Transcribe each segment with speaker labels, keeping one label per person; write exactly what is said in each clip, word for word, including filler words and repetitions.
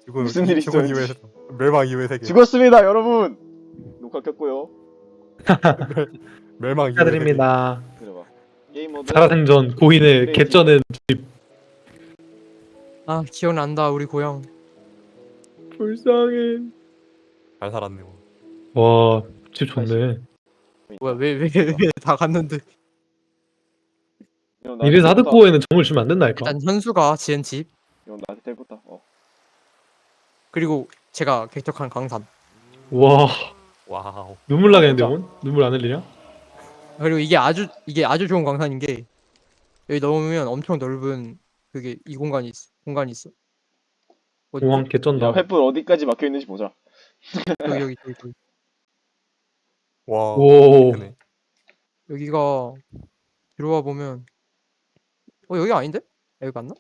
Speaker 1: 지금
Speaker 2: 무슨 일이
Speaker 1: 죽은
Speaker 2: 있었는지.
Speaker 1: 이후에 멸망 이후의 세계.
Speaker 2: 죽었습니다, 여러분. 녹화 켰고요.
Speaker 1: 멸망 이후의 세계.
Speaker 3: 축하드립니다.
Speaker 2: 들어봐. 게임 모드.
Speaker 3: 살아생전 고인의
Speaker 2: 크리에이티브.
Speaker 3: 개쩌는
Speaker 4: 아 기억난다 우리 고향.
Speaker 3: 불쌍해.
Speaker 1: 잘 살았네. 뭐.
Speaker 3: 와, 집 좋네.
Speaker 4: 뭐야 왜 왜 왜 다 갔는데.
Speaker 2: 형, 나한테
Speaker 3: 이래서
Speaker 2: 텔포타.
Speaker 3: 하드코어에는 정을 주면 안 된다니까.
Speaker 4: 일단 현수가 지은 집
Speaker 2: 형 나한테 텔포타. 어.
Speaker 4: 그리고 제가 객격한 강산
Speaker 3: 와,
Speaker 1: 와우.
Speaker 3: 눈물 나겠는데 오늘? 눈물 안 흘리냐?
Speaker 4: 그리고 이게 아주 이게 아주 좋은 강산인 게 여기 넘으면 엄청 넓은 그게 이 공간이 있어 공간이 있어. 어디
Speaker 3: 공항 개쩐다.
Speaker 2: 야, 횃불 어디까지 막혀 있는지 보자.
Speaker 4: 여기 여기 여기 여기
Speaker 1: 와.
Speaker 3: 오.
Speaker 1: 크네.
Speaker 4: 여기가 들어와 보면 어 여기 아닌데? 여기 맞나?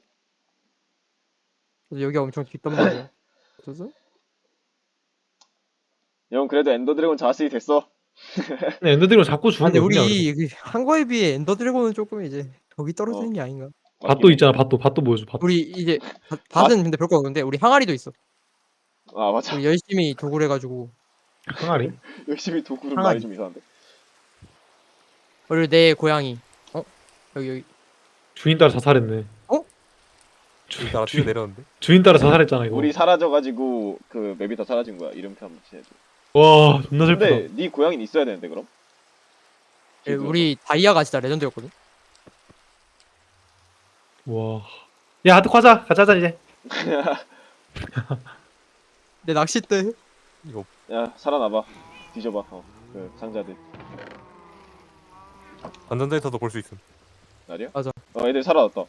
Speaker 4: 그래서 여기가 엄청 뒷단 말이야. 어쩌죠?
Speaker 2: 형 그래도 엔더 드래곤 자스이 됐어.
Speaker 3: 근데 엔더드래곤 자꾸 주는
Speaker 4: 아니
Speaker 3: 거
Speaker 4: 우리
Speaker 3: 뭐냐?
Speaker 4: 이한 거에 비해 엔더 드래곤은 조금 이제 덕이 떨어지는
Speaker 2: 어.
Speaker 4: 게 아닌가.
Speaker 3: 밭도 있잖아. 밭도 밭도 보여줘. 밭.
Speaker 4: 우리 이제 밭- 밭은 근데 별거 없는데 우리 항아리도 있어.
Speaker 2: 아 맞아.
Speaker 4: 우리 열심히 도구를 해가지고
Speaker 3: 항아리?
Speaker 2: 열심히 도구를
Speaker 4: 항아리.
Speaker 2: 말이 좀 이상한데.
Speaker 4: 그리고 내 고양이 어 여기 여기
Speaker 3: 주인 따라 자살했네.
Speaker 1: 주 따라 뛰어 내렸는데.
Speaker 3: 주인 따라 자살했잖아 이거.
Speaker 2: 우리 사라져가지고 그 맵이 다 사라진 거야. 이름표 한번 해줘.
Speaker 3: 와, 존나 슬프다.
Speaker 2: 근데 네 고양이는 있어야 되는데 그럼?
Speaker 4: 예, 우리 다이아가 진짜 레전드였거든.
Speaker 3: 와. 야, 하드 과자. 가자 하자 이제.
Speaker 4: 내 낚싯대
Speaker 1: 이거
Speaker 2: 야 살아나봐. 뒤져봐. 어, 그 상자들.
Speaker 1: 안전자에서도 볼 수 있음.
Speaker 2: 날이야?
Speaker 4: 맞아.
Speaker 2: 어 애들 살아났다.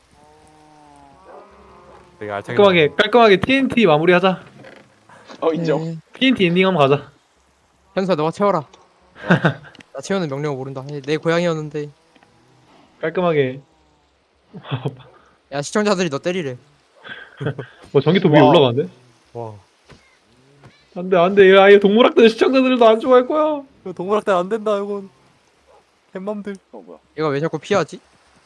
Speaker 1: 되게 알차게.
Speaker 3: 깔끔하게 깔끔하게 티엔티 마무리하자.
Speaker 2: 어 인정.
Speaker 4: 예.
Speaker 3: 티엔티 엔딩 한번 가자.
Speaker 4: 현수야 너가 채워라. 나 채우는 명령을 모른다. 예, 내 고양이였는데
Speaker 3: 깔끔하게.
Speaker 4: 야 시청자들이 너 때리래.
Speaker 3: 뭐 전기톱 위에
Speaker 2: 와우.
Speaker 3: 올라가는데?
Speaker 1: 와.
Speaker 3: 안돼 안돼. 야, 이 동물학대 시청자들도 안 좋아할 거야.
Speaker 1: 이거 동물학대 안 된다 이건. 햄맘들.
Speaker 2: 어 뭐야?
Speaker 4: 얘가 왜 자꾸 피하지?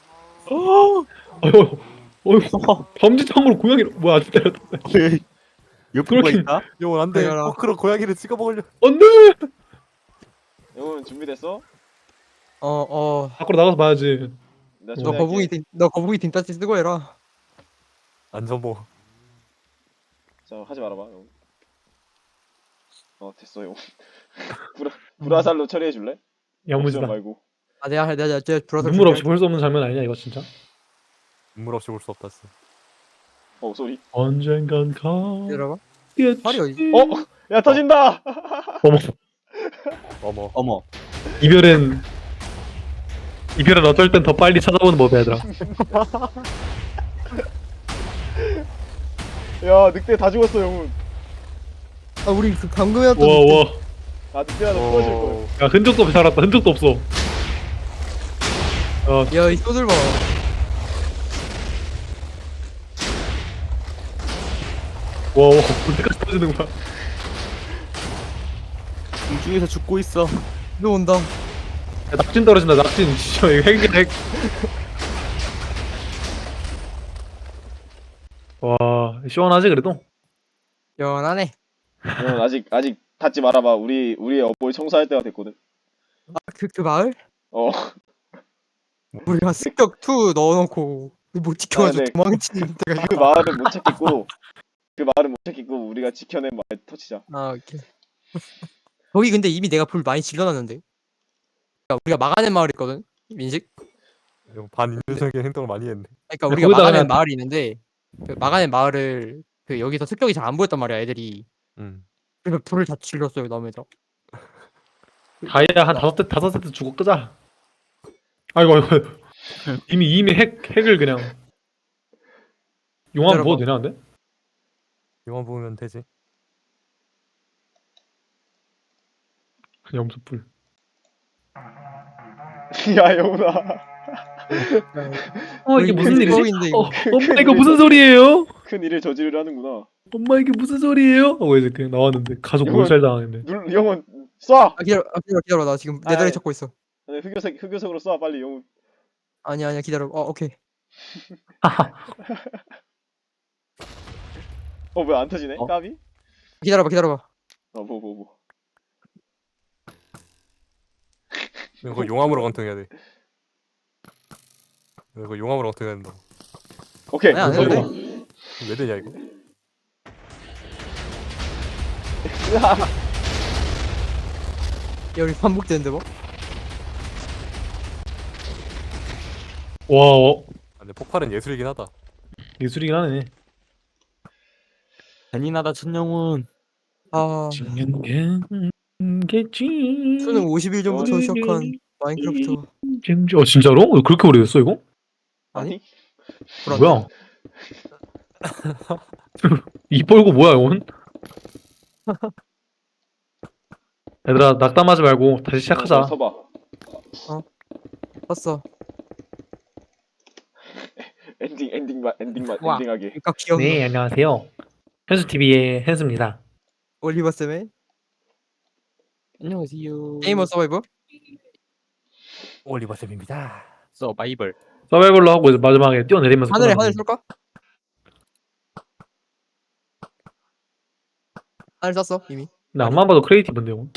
Speaker 3: 어휴, 어휴, 범죄창으로 고양이를 뭐야? 진짜
Speaker 1: 옆구가
Speaker 3: 그렇게-
Speaker 1: 있다? 이건 안 돼.
Speaker 4: 당연하.
Speaker 1: 포크로 고양이를 찍어 먹으려.
Speaker 3: 안돼.
Speaker 2: 형은 준비됐어?
Speaker 4: 어어
Speaker 3: 밖으로 나가서 봐야지.
Speaker 2: 나
Speaker 4: 너
Speaker 2: 준비할게.
Speaker 4: 거북이 딩, 너 거북이 딩따지 쓰고 해라.
Speaker 1: 안전보.
Speaker 2: 자 하지 말아봐. 형. 어 됐어 형. 불화 불화살로 처리해 줄래?
Speaker 3: 야무지다.
Speaker 2: 말고.
Speaker 4: 아 내가 내가 내가 내가 불어서
Speaker 3: 눈물 없이 볼 수 없는 장면 아니냐 이거 진짜?
Speaker 1: 눈물 없이 볼 수 없다 진짜.
Speaker 2: 어 소리.
Speaker 3: 언젠간
Speaker 4: 내려봐.
Speaker 3: 가겠지.
Speaker 4: 팔이 어디?
Speaker 2: 어? 야 터진다.
Speaker 3: 어머,
Speaker 1: 어머.
Speaker 5: 어머.
Speaker 3: 이별은 이별은 어쩔 땐 더 빨리 찾아오는 법이야 얘들아.
Speaker 2: 야 늑대 다 죽었어 형은.
Speaker 4: 아 우리 그 방금 해왔던
Speaker 3: 와 와.
Speaker 2: 아 늑대하다 부러질 걸.
Speaker 1: 어.
Speaker 3: 야, 흔적도 없이 살았다. 흔적도 없어. 어,
Speaker 4: 야이 소들 봐.
Speaker 3: 와, 와, 언제까지 터지는 거야?
Speaker 5: 공중에서 죽고 있어.
Speaker 4: 너 온다.
Speaker 3: 야, 낙진 떨어진다. 낙진. 진짜 이거 핵이야 핵. 와, 시원하지 그래도?
Speaker 4: 연하네.
Speaker 2: 형 아직 아직 닫지 말아봐. 우리 우리 어버이 청소할 때가 됐거든.
Speaker 4: 아그 그 마을?
Speaker 2: 어.
Speaker 4: 우리가 습격 투 넣어놓고 못 지켜가지고
Speaker 2: 아, 네.
Speaker 4: 도망치는 때가
Speaker 2: 그 마을은 못 찾겠고 그 마을은 못 찾겠고 우리가 지켜낸 마을 터치자.
Speaker 4: 아 오케이. 거기 근데 이미 내가 불 많이 질러놨는데. 그러니까 우리가 막아낸 마을 있거든. 민식.
Speaker 1: 이거 반인륜적인 행동을 많이 했네.
Speaker 4: 그러니까 우리가
Speaker 3: 거기다가
Speaker 4: 막아낸
Speaker 3: 그냥-
Speaker 4: 마을이 있는데 그 막아낸 마을을 그 여기서 습격이 잘 안 보였단 말이야 애들이.
Speaker 1: 음.
Speaker 4: 그래서 불을 다 질렀어요 남에서.
Speaker 3: 다이아 한 다섯 대 다섯 세트 주고 끄자. 아이고 아이고. 이미 이미 핵 핵을 그냥 용암
Speaker 4: 기다려봐.
Speaker 3: 부어도 되나 근데?
Speaker 1: 이만 보면 되지.
Speaker 3: 염소불.
Speaker 2: 야 영훈아.
Speaker 3: 어 이게
Speaker 4: 우리
Speaker 3: 무슨
Speaker 4: 큰
Speaker 3: 일이지?
Speaker 4: 습격인데, 이거.
Speaker 3: 어, 엄마 이거 무슨 소리예요?
Speaker 2: 큰 일을 저지르려 하는구나.
Speaker 3: 엄마 이게 무슨 소리예요? 하고 이제 그냥 나왔는데 가족
Speaker 2: 이거-
Speaker 3: 몰살 당했네.
Speaker 2: 눌 영훈 쏴.
Speaker 4: 아 기다려 아, 기다려 기다려 나 지금 내
Speaker 2: 아이.
Speaker 4: 다리 찾고 있어.
Speaker 2: 아니, 흑요석 흑요석으로 쏴 빨리 영훈.
Speaker 4: 아니야 아니야 기다려. 어 오케이.
Speaker 2: 어 왜 안 터지네?
Speaker 5: 어?
Speaker 2: 까비?
Speaker 4: 기다려봐 기다려봐.
Speaker 2: 어 뭐 뭐 뭐.
Speaker 1: 이거 용암으로 관통해야 돼. 이거 용암으로 관통해야 된다.
Speaker 2: 오케이.
Speaker 4: 아니, 안 해도
Speaker 2: 성공.
Speaker 4: 돼.
Speaker 1: 왜 되냐 이거?
Speaker 4: 야 우리 반복되는데 뭐?
Speaker 3: 와 어,
Speaker 1: 아, 근데 폭발은 예술이긴 하다.
Speaker 3: 예술이긴 하네.
Speaker 5: 잔인하다 천영훈.
Speaker 4: 아
Speaker 3: 겠지.
Speaker 4: 수능 오십 일 전부터
Speaker 2: 어,
Speaker 4: 시작한 마인크래프트.
Speaker 3: 어 진짜로? 그렇게 오래됐어 이거?
Speaker 2: 아니?
Speaker 4: 불안해.
Speaker 3: 뭐야? 이 뻘고 뭐야 이건? 얘들아 낙담하지 말고 다시
Speaker 2: 어,
Speaker 3: 시작하자.
Speaker 2: 서봐.
Speaker 4: 봤어.
Speaker 2: 엔딩 엔딩만 엔딩만
Speaker 4: 와.
Speaker 2: 엔딩하게.
Speaker 4: 그러니까 귀여운
Speaker 3: 네 안녕하세요. 현수티비의 현수입니다.
Speaker 4: 올리버 쌤의
Speaker 5: 안녕하세요.
Speaker 4: 게이머 서바이벌.
Speaker 1: 올리버 쌤입니다.
Speaker 5: 서바이벌.
Speaker 3: 서바이벌로 하고 이제 마지막에 뛰어내리면서
Speaker 4: 하늘에
Speaker 3: 끝나는
Speaker 4: 하늘
Speaker 3: 거지.
Speaker 4: 쏠까? 하늘 쐈어 이미.
Speaker 3: 근데 안만 봐도 크리에이티브인데 이건.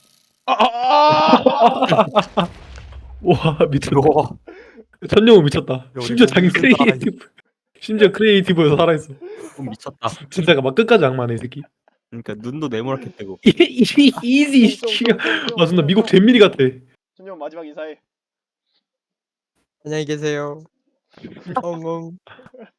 Speaker 3: 와 미쳤다.
Speaker 1: 와,
Speaker 3: 천룡은 미쳤다.
Speaker 1: 우리
Speaker 3: 심지어 자기
Speaker 1: 좀 미쳤다.
Speaker 3: 크리에이티브. 심지어 크리에이티브에서 살아있어.
Speaker 5: 좀 미쳤다.
Speaker 3: 진짜가 막 끝까지 악마네 이 새끼.
Speaker 5: 그러니까 눈도 네모렇게 뜨고.
Speaker 3: 이지 이지 씨가. 아 존나 미국 잼민이 같아.
Speaker 2: 준영 마지막 인사해.
Speaker 4: 안녕히 계세요. 엉엉.